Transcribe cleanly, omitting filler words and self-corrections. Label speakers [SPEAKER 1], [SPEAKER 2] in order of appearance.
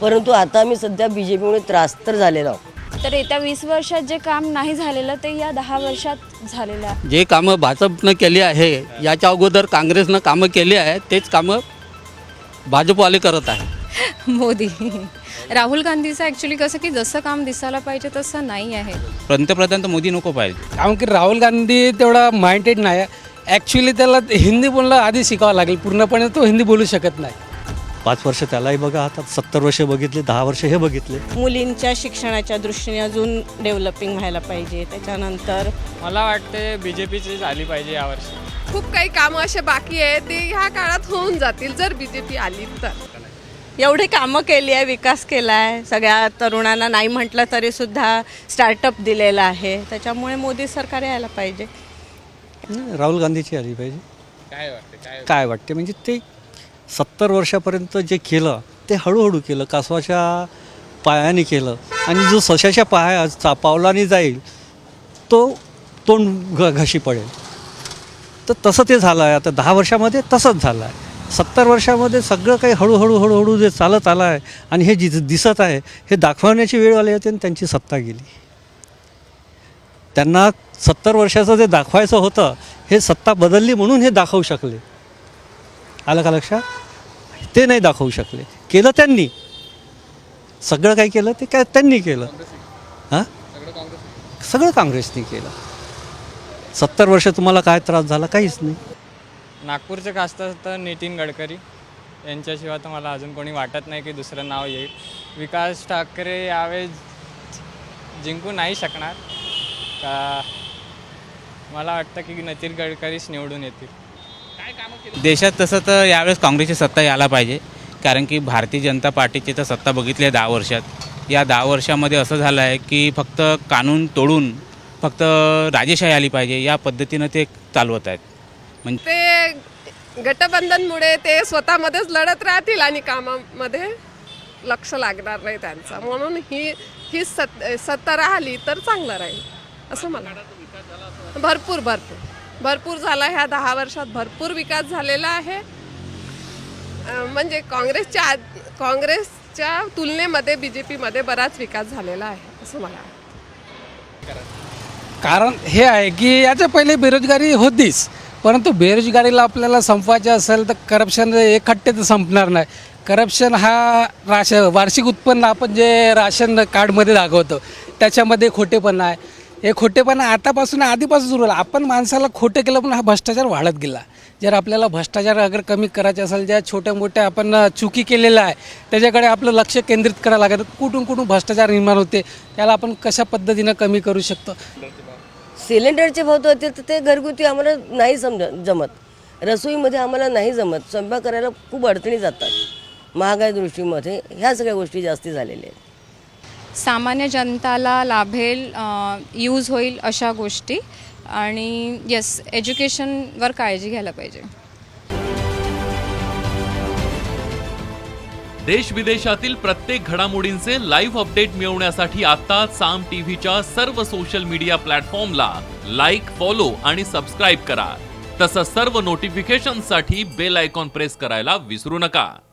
[SPEAKER 1] परंतु आता आम्ही सध्या BJPमुळे त्रास तर झालेलो आहोत.
[SPEAKER 2] तर येत्या 20 वर्षात जे काम नाही झालेलं ते या 10 वर्षात झालेलं आहे.
[SPEAKER 3] जे कामं भाजपनं केली आहे याच्या अगोदर काँग्रेसनं कामं केली आहे तेच कामं भाजपवाले करत आहे.
[SPEAKER 4] मोदी राहुल गांधीचं ॲक्च्युली कसं की जसं काम दिसायला पाहिजे तसं नाही आहे.
[SPEAKER 5] पंतप्रधान तर मोदी नको पाहिजे.
[SPEAKER 6] कारण की राहुल गांधी तेवढा माइंडेड नाही. ॲक्च्युली त्याला हिंदी बोलणं आधी शिकावं लागेल. पूर्णपणे तो हिंदी बोलू शकत नाही.
[SPEAKER 7] 5 वर्ष त्यालाही बघा, आता 70 वर्ष बघितले, 10 वर्ष हे बघितले.
[SPEAKER 8] मुलींच्या शिक्षणाच्या दृष्टीने अजून डेव्हलपिंग व्हायला पाहिजे. त्याच्यानंतर
[SPEAKER 9] मला वाटते BJPची झाली पाहिजे यावर्षी.
[SPEAKER 10] खूप काही कामं असे बाकी आहे ते ह्या काळात होऊन जातील जर BJP आली तर.
[SPEAKER 8] एवढी कामं केली आहे, विकास केला आहे, सगळ्या तरुणांना नाही म्हटलं तरी सुद्धा स्टार्टअप दिलेला आहे. त्याच्यामुळे मोदी सरकार यायला पाहिजे.
[SPEAKER 7] राहुल गांधीची आली पाहिजे. काय वाटते म्हणजे ते 70 वर्षापर्यंत जे केलं ते हळूहळू केलं, कासवाच्या पायाने केलं. आणि जो सशाच्या पावलाने जाईल तो तोंड घशी पडेल. तर तसं ते झालं आहे. आता 10 वर्षामध्ये तसंच झालं आहे. 70 वर्षामध्ये सगळं काही हळूहळू जे चालत आलं आहे आणि हे दिसत आहे हे दाखवण्याची वेळ आली होती आणि त्यांची सत्ता गेली. त्यांना 70 वर्षाचं जे दाखवायचं होतं हे सत्ता बदलली म्हणून हे दाखवू शकले. आलं का लक्षात? ते नाही दाखवू शकले. केलं त्यांनी, सगळं काही केलं ते काय त्यांनी केलं. हां, सगळं काँग्रेसने केलं. 70 वर्ष तुम्हाला काय त्रास झाला? काहीच नाही.
[SPEAKER 9] नागपूरचे खासदार तर नितीन गडकरी यांच्याशिवाय तर मला अजून कोणी वाटत नाही की दुसरं नाव येईल. विकास ठाकरे यावेळेस जिंकू नाही शकणार का. मला वाटतं की नितीन गडकरीच निवडून येतील.
[SPEAKER 5] देशात तसं तर यावेळेस काँग्रेसची सत्ता यायला पाहिजे, कारण की भारतीय जनता पार्टीची तर सत्ता बघितली आहे 10 वर्षात. या 10 वर्षामध्ये असं झालं आहे की फक्त कानून तोडून फक्त राजेशाही आली पाहिजे या पद्धतीनं ते चालवत आहेत. म्हणजे
[SPEAKER 10] ते गठबंधनमुळे ते स्वतःमध्येच लढत राहतील आणि कामामध्ये लक्ष लागणार नाही त्यांचं. म्हणून ही सत्ता राहिली तर चांगलं राहील असं मला वाटतं. भरपूर झाला. ह्या 10 वर्षात भरपूर विकास झालेला आहे. म्हणजे काँग्रेसच्या तुलनेमध्ये BJPमध्ये बराच विकास झालेला आहे असं मला वाटतं.
[SPEAKER 6] कारण हे आहे की याच्या पहिले बेरोजगारी होतीच, परंतु बेरोजगारीला आपल्याला संपवायचे असेल तर करप्शन एकखट्टे तर संपणार नाही. करप्शन हा वार्षिक उत्पन्न आपण जे राशन कार्डमध्ये दाखवतो त्याच्यामध्ये खोटेपणा आहे. हे खोटेपणा आतापासून आधीपासून सुरू झाला. आपण माणसाला खोटं केलं पण हा भ्रष्टाचार वाढत गेला. जर आपल्याला भ्रष्टाचार अगर कमी करायचे असेल, ज्या छोट्या मोठ्या आपण चुकी केलेल्या आहे त्याच्याकडे आपलं लक्ष केंद्रित करावं लागतं. कुठून भ्रष्टाचार निर्माण होते त्याला आपण कशा पद्धतीनं कमी करू शकतो.
[SPEAKER 1] सिलेंडरचे भाव तर होते तर ते घरगुती आम्हाला नाही जमत. रसोईमध्ये आम्हाला नाही जमत. स्वयंपाक करायला खूप अडचणी जातात. महागाई दृष्टीमध्ये ह्या सगळ्या गोष्टी जास्ती झालेल्या आहेत.
[SPEAKER 4] सामान्य जनताला लाभेल, यूज होईल अशा गोष्टी. आणि येस, एज्युकेशनवर काळजी घ्यायला पाहिजे.
[SPEAKER 11] देश विदेशातील प्रत्येक घडामोडींचे लाईव्ह अपडेट मिळवण्यासाठी आता साम टीव्हीच्या सर्व सोशल मीडिया प्लॅटफॉर्मला लाईक, फॉलो आणि सबस्क्राईब करा. तसंच सर्व नोटिफिकेशनसाठी बेल आयकॉन प्रेस करायला विसरू नका.